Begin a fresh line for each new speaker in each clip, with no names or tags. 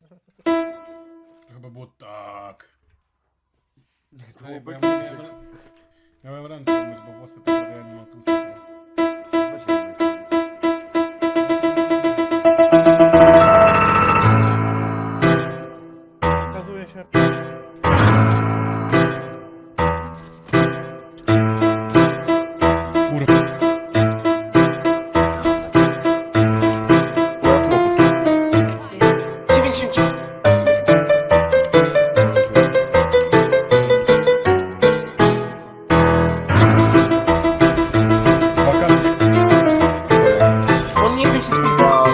To chyba było tak.
To
Ej, bo
był
ja
Bridget.
miałem ręce umyć, bo włosy poprawiają, nie mam tłuste.
Okazuje się...
Kurwa. Wakacje.
On nie wie, co to za...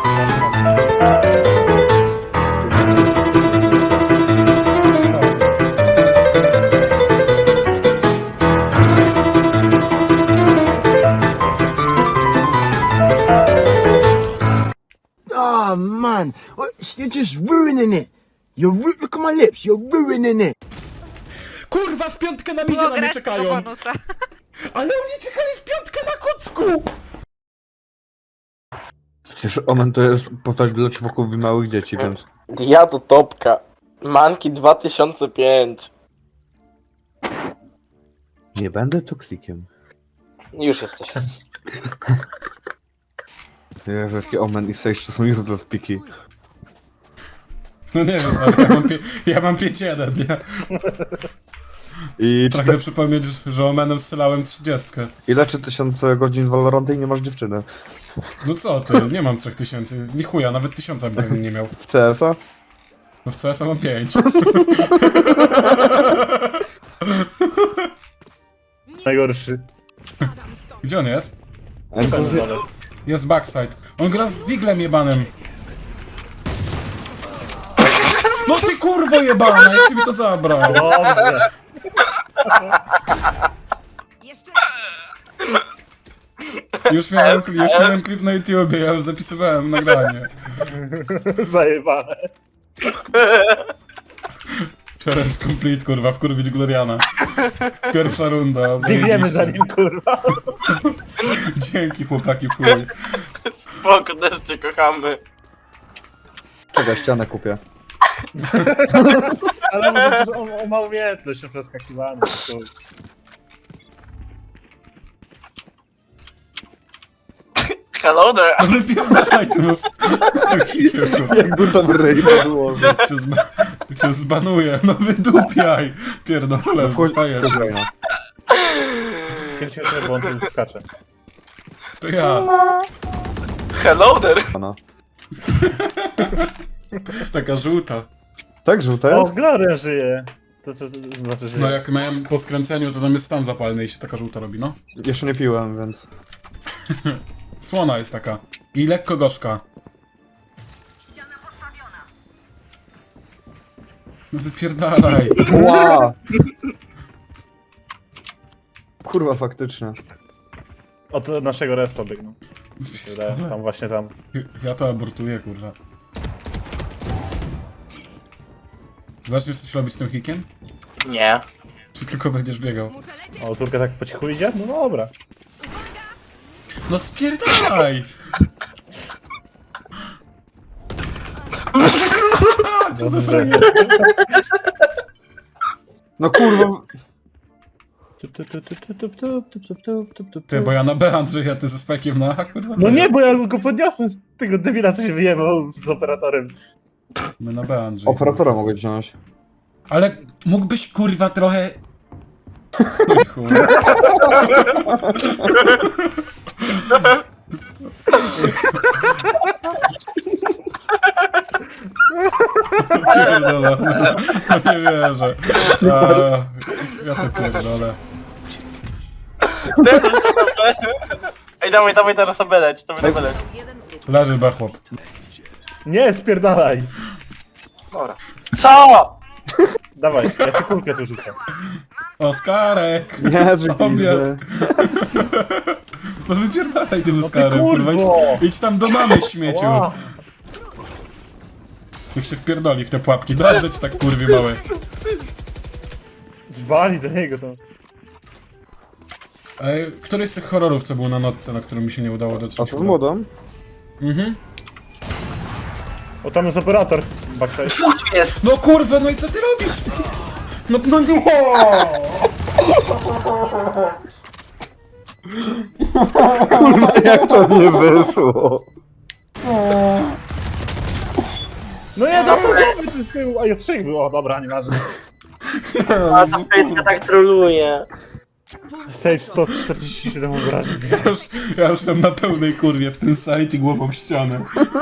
Oh man, you're just ruining it. Look at my lips. You're ruining it.
Kurwa, w piątkę na midzie na mnie czekają!
bonusa.
Ale oni czekali w piątkę na kucku!
Przecież Omen to jest postać dla czwoków małych dzieci, więc...
Ja to topka. Manki 2005.
Nie będę toksikiem.
Już jesteś.
Jezu, jaki Omen i Sage to są useless piki.
No nie wiem, stary, ja mam 5-1, nie?
I
Pragnę przypomnieć, że omenem strzelałem 30.
ile 3000 godzin Valoranta i nie masz dziewczyny?
No co ty, nie mam 3000, ni chuja, nawet 1000 bym nie miał.
W CS-a?
No w CS mam 5.
Najgorszy.
Gdzie on jest?
Ale...
Jest backside. On gra z Diglem jebanym. No ty kurwo jebana, jak ty mi to zabrał?
Dobrze.
Już miałem klip na YouTubie, ja już zapisywałem nagranie.
Zajebane.
Challenge complete, kurwa, wkurwić Gloriana. Pierwsza runda.
Biegniemy za nim, kurwa.
Dzięki chłopaki, w chuj.
Spoko, też cię kochamy.
Czekaj, ścianę kupię.
Ale może on ma umiejętność na przeskakiwanie.
Hello there.
No wypierdalaj tu nos.
Jakby tam ryj podłożył.
Cię zbanuję, no wydupiaj. Pierdolę, zostaję.
Cię, bo on tu skacze.
To ja.
Hello there.
Taka żółta.
Tak, żółte
O,
jest?
Gloria żyje. To co znaczy, że...
No jak miałem po skręceniu, to tam jest stan zapalny i się taka żółta robi, no.
Jeszcze nie piłem, więc...
Słona jest taka. I lekko gorzka. No wypierdalaj.
Ła! Kurwa, faktycznie.
Od naszego respa biegną. Mi się wydaje, tam właśnie tam.
Ja to abortuję, kurwa. Zaczniesz coś robić z tym hikiem?
Nie.
Czy tylko będziesz biegał?
O, Turka tak po cichu idzie? No dobra.
No spierdalaj! Co za
Dobrze.
frajer?
No kurwa...
Ty, bo ja na B, Andrzej, a ty ze spekiem na A, kurwa, co
No nie,
jest?
bo ja go podniosłem z tego debila, co się wyjebał z operatorem.
My na B, Andrzej.
Operatora mogę wziąć.
Ale mógłbyś, kurwa, trochę... Oj, chuj. Pierdolę. No nie wierzę. Ja to pierdolę.
Ej, dawaj teraz obeleć, to będę beleć.
Leży B, chłop.
Nie, spierdalaj.
Dobra. Co?
Dawaj, ja ci kulkę tu rzucę.
Oskarek!
Nie, że
Obiad.
pizdę.
No wypierdalaj tym
No ty
Oskarem, kurwa.
kurwo!
Idź tam do mamy, śmieciu.
Ła.
Niech się wpierdoli w te pułapki. Dobrze ci tak, kurwi, małe.
Wali do niego to.
Któryś z tych horrorów, co był na nocce, na którym mi się nie udało dotrzeć?
A to z młodą?
Mhm.
O, tam jest operator. Backside.
Dwóch tu jest!
No kurwa, no i co ty robisz? No nie!
Kurwa, jak to nie wyszło?
No nie, dostał głowy ty z tyłu, a ja 3 było, dobra, nieważne.
A ta Fejtka tak troluje.
Sage 147 obrażeń.
Ja już tam na pełnej kurwie w ten site i głową w ścianę.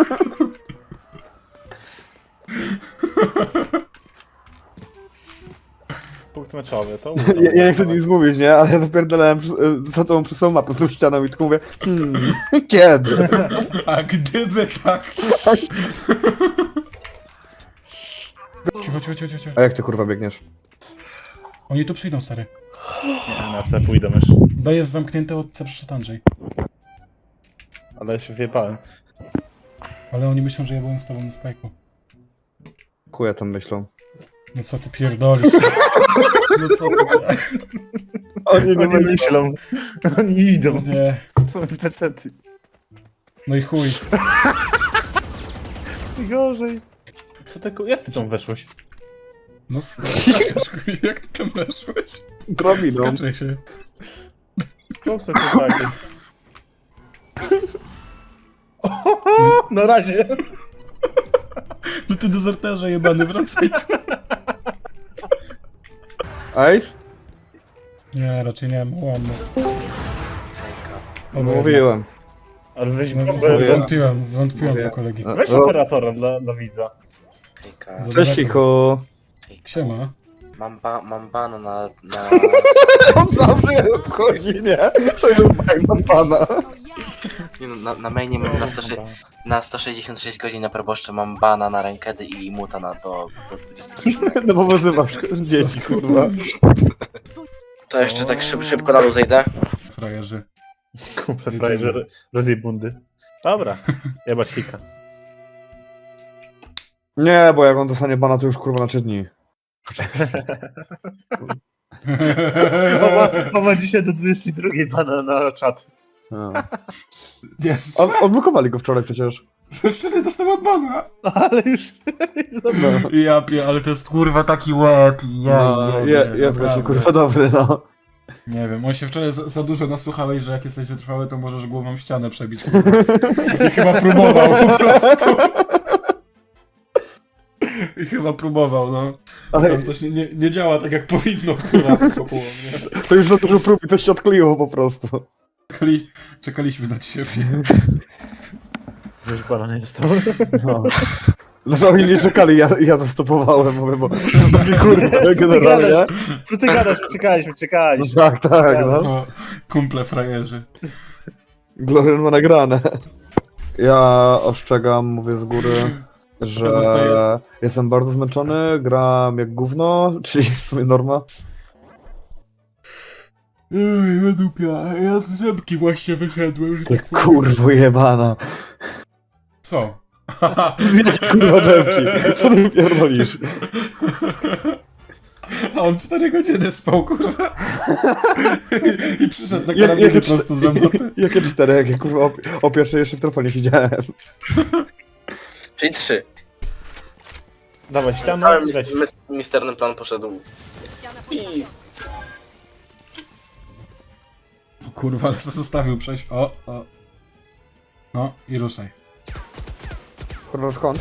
Punkt meczowy, to
Ja nie chcę nic mówić, nie? Ale ja zapierdalałem za tobą przez całą mapę z tą ścianą i tylko mówię, kiedy?
A gdyby tak... Cicho.
A jak ty kurwa biegniesz?
Oni tu przyjdą, stary.
Nie, na C pójdę już.
B jest zamknięte od C przyszedł Andrzej.
Ale się wjebałem.
Ale oni myślą, że ja byłem z tobą na spajku.
Chuja tam myślą.
No co ty pierdolisz? No co ty...
Oni nie
Oni myślą. Oni idą.
Nie.
Są pecety.
No i chuj.
Gorzej. Co ty, jak ty tam weszłeś?
No skaczesz, chuj, jak ty tam weszłeś?
Drabiną.
Skaczę się.
No co to takie? Na razie.
No ty dezerterze jebany, wracaj tu.
Ice?
Nie, raczej nie, łamno.
Mówiłem.
Ale weź
No,
bombę.
zwątpiłem do kolegi.
Weź operatora dla widza.
Hejka,
Cześć Kiko.
Siema.
mam bana na...
On zawsze wchodzi, nie? To jest tak mam pana.
Nie no, na mainie mam na 166 godzin na proboszcze mam bana na rankedy i muta do 27.
No bo wyzywasz dzieci, kurwa.
To jeszcze tak szybko na dół zejdę.
Frajerzy.
Kumple frajer rozjebundy. Dobra, jebać hika.
Nie, bo jak on dostanie bana, to już kurwa na 3 dni.
Ma dzisiaj do 22 bana na czat.
No.
Jest.
Odblokowali go wczoraj przecież.
Wczoraj dostałem od bana.
Ale już
No.
Ale to jest kurwa taki łeb.
Jest właśnie kurwa dobry, no.
Nie wiem, on się wczoraj za dużo nasłuchałeś, że jak jesteś wytrwały, to możesz głową ścianę przebić. I chyba próbował po prostu. I chyba próbował, no.
Ale
Tam coś nie działa tak jak powinno, kurwa, wokół mnie.
to już za dużo prób i coś się odkleiło po prostu.
Czekaliśmy na ciebie.
już bana nie dostał.
No. Znaczy oni nie czekali, ja to stopowałem, mówię, bo takie kurwa generalnie.
Co ty gadasz? Czekaliśmy.
No, tak, no.
No, kumple frajerzy.
Glorian ma nagrane. Ja ostrzegam, mówię z góry, że
dostaję-
jestem bardzo zmęczony, gram jak gówno, czyli w sumie norma.
Ej, dupia, ja z rzepki właśnie wyszedłem. Że tak powiem.
Kurwo jebana.
Co?
Jakie kurwa drzewki, co ty pierdolisz?
A on 4 godziny spał, kurwa. I przyszedł na karabinie prosto z roboty.
Jakie 4, jakie kurwa o pierwszej jeszcze w telefonie siedziałem.
Czyli 3.
Dawaj ścianę
Cały
i weź.
misterny plan poszedł. Peace.
Kurwa, ale zostawił przejść. O. No i ruszaj.
Kurwa skąd?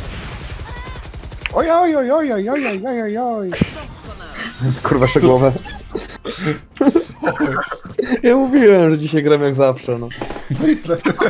Oj. Kurwa szczegółowe.
Co jest?
Ja mówiłem, że dzisiaj gram jak zawsze, no.
No i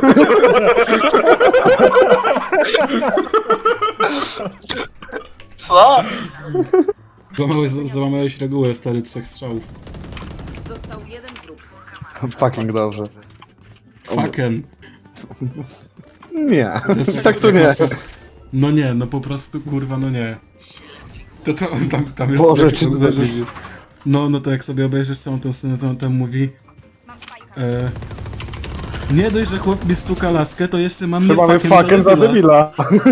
Co?
złamałeś regułę, stary, 3 strzałów.
Został jeden wróg.
Fucking dobrze.
Fucking.
Nie,
jest
tak to nie.
No nie, no po prostu, kurwa, no nie. To on tam jest...
Boże,
jak
czy ty
obejrzysz-
widzisz?
No to jak sobie obejrzysz całą tą scenę, to on tam mówi... nie dość, że chłop mi stuka laskę, to jeszcze mam
Czy mamy fucking za debila?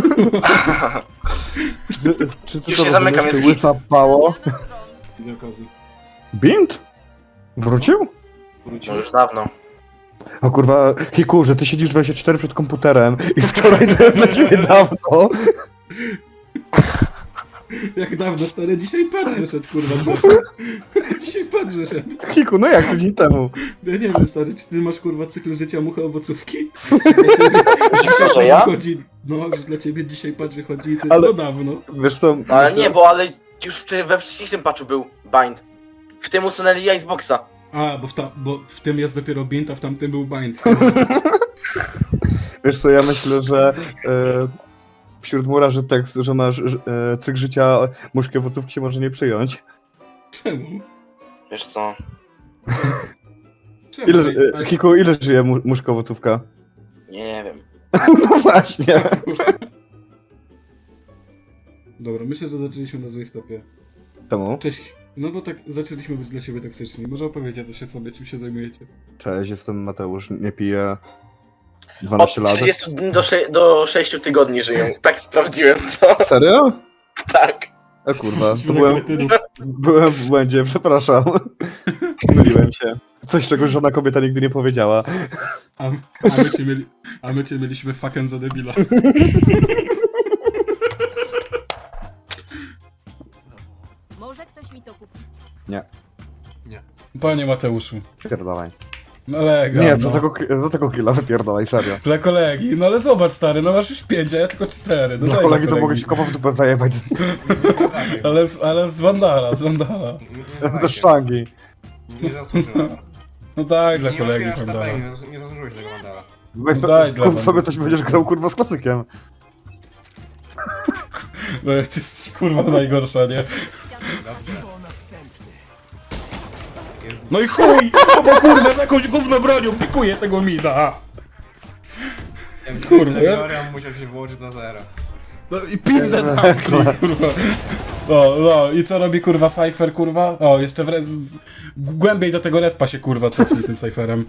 Czy ty
Już
to
się zamykam,
rozumiesz,
jest
ty łysa pało?
Nie okazji.
Bint? Wrócił?
No już dawno.
O kurwa, Hiku, że ty siedzisz 24 przed komputerem i wczoraj byłem na ciebie dawno.
Jak dawno, stary, dzisiaj patrz wyszedł, kurwa, co? Dzisiaj patrz wyszedł.
Hiku, no jak tydzień temu?
Ja nie wiem, stary, czy ty masz, kurwa, cykl życia mucha owocówki?
To, że ja?
Wychodzi, no, że dla ciebie dzisiaj patrz wychodzi i ty
Ale-
no dawno.
Wiesz co?
Ale nie, ale już we wcześniejszym patchu był bind. W tym usunęli Iceboxa.
A, bo w tym jest dopiero bint, a w tamtym był bind.
Wiesz co, ja myślę, że wśród murarzy tekst, że masz cykl życia muszki owocówki się może nie przyjąć.
Czemu?
Wiesz co?
Czemu? Ej,
Hiku, ile żyje muszka owocówka?
Nie wiem.
No właśnie.
Dobra, myślę, że zaczęliśmy na złej stopie.
Czemu?
Cześć. No bo tak zaczęliśmy być dla siebie toksyczni. Może opowiecie coś o sobie, czym się zajmujecie?
Cześć, jestem Mateusz, nie piję
Od
12 lat.
30 dni do 6 myliłem żyją. Tak sprawdziłem to.
Serio?
Tak.
A kurwa, to
Świetnych kretynów.
byłem w błędzie, przepraszam. Myliłem się. Coś, czego żadna kobieta nigdy nie powiedziała.
A my cię mieliśmy fucking za debila.
Może ktoś mi to kupić?
Panie Mateuszu.
Pierdolaj.
No lega,
Nie,
no.
za tego killa wypierdolaj, serio.
Dla kolegi, no ale zobacz stary, no masz już 5, a ja tylko 4. No
Dla
daj
kolegi
dla
to mogę ci kopa w dupę zajebać
Ale z Wandala, z Wandala.
do sztangi.
Nie zasłużyłem.
No daj dla
Nie
kolegi
otwierasz
Wandala.
tabeli, nie zasłużyłeś tego mandala.
Weź
Daj dla
kup
mnie.
sobie coś będziesz grał kurwa z klasykiem.
No ty jesteś kurwa najgorsza, nie?
Dobrze. Jezu.
No i chuj! No bo kurwa z jakąś gówno bronią pikuje tego mida! Kurwa, ja-
Legiorian musiał się włożyć za zero.
No i pizdę zamknij, kurwa. No, i co robi kurwa Cypher, kurwa? O, jeszcze głębiej do tego respa się kurwa cofnie tym Cypherem.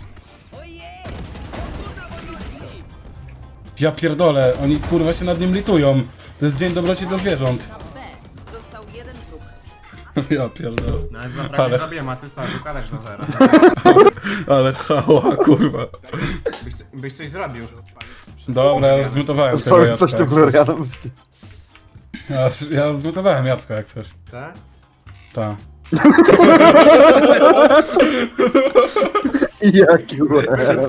Ja pierdolę, oni kurwa się nad nim litują. To jest dzień dobroci do zwierząt.
B. Został jeden wróg.
Ja pierdolę.
Nawet wam prawie
Ale-
zrobiłem, a ty sam układasz za zero.
Ale hała, kurwa.
Byś coś zrobił.
Dobra, ja zmutowałem tego
Coś
Jacka.
tym Florianem.
Ja zmutowałem Jacka jak coś.
Tak?
Tak.
Jaki Florian.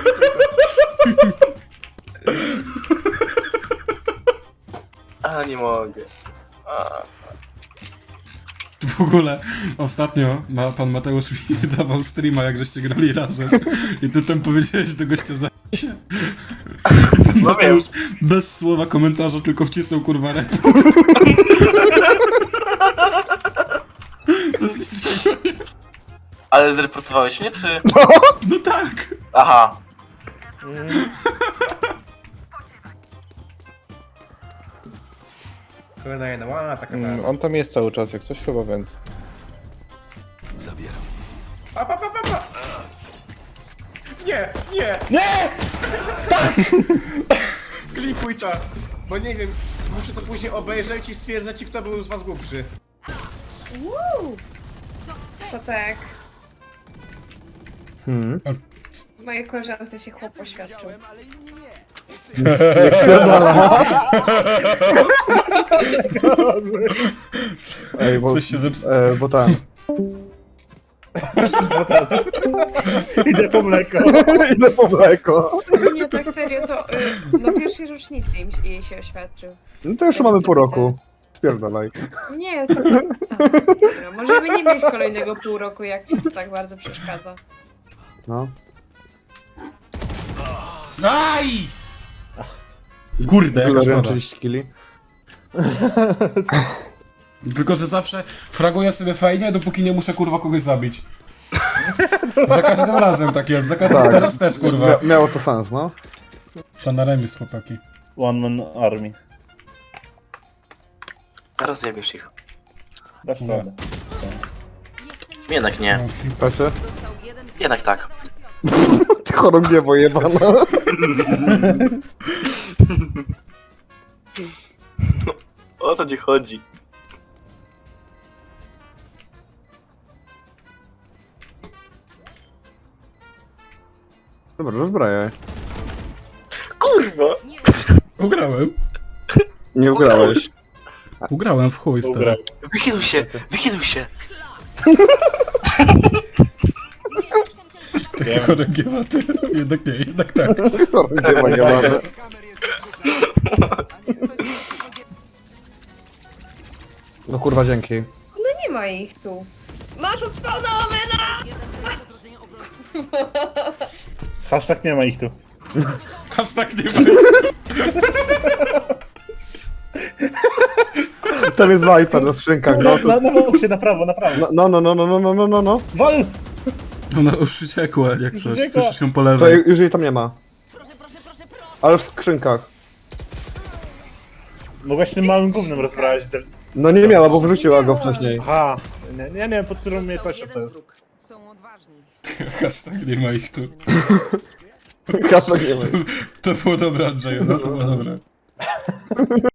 A nie mogę. A.
W ogóle ostatnio pan Mateusz mi dawał streama, jak żeście grali razem i ty tam powiedziałeś do gościa za się. Pan Mateusz bez słowa komentarza tylko wcisnął kurwa rep. To jest-
Ale zreportowałeś mnie, czy?
No tak!
Aha.
Kolejna jedna, ła, taka
On tam jest cały czas, jak coś chyba, więc...
pa, pa, pa, pa, pa. Nie, nie!
Nie!
Klipuj to! Bo nie wiem, muszę to później obejrzeć i stwierdzać, kto był z was głupszy.
To tak.
Hmm.
Mojej koleżance się chłop oświadczył.
Ej, bo,
Coś się zepsuło.
bo tam.
Idę po mleko.
Idę po mleko.
Nie, tak serio, to na pierwszej rocznicy jej się oświadczył.
No to już mamy pół roku. Spierdalaj.
Nie, dobra, możemy nie mieć kolejnego pół roku, jak ci to tak bardzo przeszkadza.
No.
Aj! Kurde, jaka
Florian
szkoda.
30 kili.
Tylko, że zawsze fraguję sobie fajnie, dopóki nie muszę kurwa kogoś zabić. Za każdym razem tak jest, za każdym
Tak.
teraz też kurwa.
Miało to sens, no.
To na remis chłopaki.
One man army.
Rozjebiesz ich.
Dasz radę.
Jednak nie.
Patrzę.
Został jeden wróg.
Jednak tak.
Ty chorągiewo jebana.
O co ci chodzi?
Dobra, rozbrajaj.
Kurwa!
Ugrałem.
Nie ugrałeś.
Ugrałem w chuj,
Ugrał.
stary.
Wychyluj się, wychyluj się.
Takiego regiewa, ty. Jednak nie, jednak tak.
Nie ma, nie mamy.
No kurwa, dzięki.
No nie ma ich tu. Masz od spawna omena!
Hashtag nie ma ich tu.
Aż tak nie będzie.
Tam jest Viper na skrzynkach, no to...
Na boksie, na prawo, na prawo.
No.
Wal!
Ona już uciekła, jak
Już
coś.
uciekła.
Słyszysz ją po
To
lewej.
już jej tam nie ma. Ale w skrzynkach.
Mogłaś tym małym gównem rozbrać.
No nie miała, bo wyrzuciła go wcześniej.
Aha. Nie wiem, pod którą umiejętnością to
Jeden
jest.
wróg. Są odważni.
Aż tak nie ma ich tu.
Kasa nie ma.
To było dobre, Andrzeju, no to było dobre.